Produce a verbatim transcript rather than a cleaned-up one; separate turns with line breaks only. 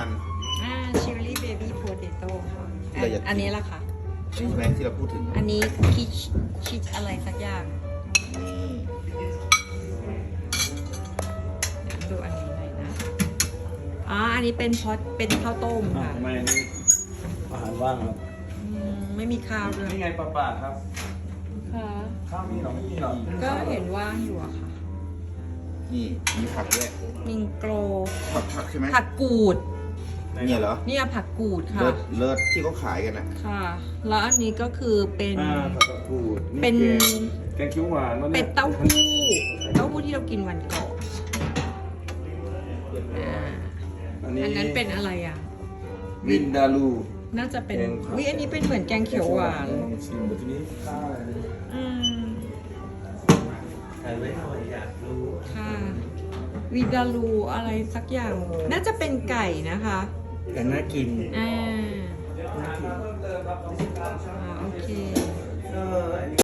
มัน
อ่าชิลลี่เบบี้โพเตโต้ค่ะ
เราอยากกิน
อันนี้ล่ะค่ะ
ใช่ไหมที่เราพูดถึง
อันนี้คิชคิชอะไรสักอย่าง
นี่
เดี๋ยวดูอันนี้หน่อยนะอ๋ออันนี้เป็นพอตเป็นข้าวต้ม
อ่ะ
ค่ะ
ทำไมอันนี้อาหารว่างครับ
อืมไม่มีข้าวด้วย
นี่ไงปลาป่าครับ
ค่ะ
ข้าวมีเหรอไม่มีเหรอ
ก็เห็นว่างอยู่อะค่ะ
นี่มีผักด้วย
มิงโกร
ผักผักใช่ไหม
ผักกูด
เนี่ยเหรอ
เนี่ยผักกูดค่ะ
เลิศเลิศที่เขาขายกันนะ
ค่ะ แล้วอันนี้ก็คือเป็น
อ่าผักกาดกูด
เป็น
แกงแกงเขียวหวานวะ
เป็
เนี่ย
ดเต้าหู้เต้าหู้ที่เรากินวันก่อนอ่า
อันนี้
อันนั้นเป็นอะไรอ่ะ
วินดาลู
น่าจะเป็น
แกงผัก
วิอันนี้เป็นเหมือนแกงเขียวหวาน
ลองชิมดูทีนี้ข้าวอะไรนะ
อืม
ถ่ายไว้หน่อยอยากรู้
ค่ะวิดาลูอะไรสักอย่าง น่าจะเป็นไก่นะคะ
แต่น่ากิน
อ่า
น่ากิน
อ่าโอเค
เออ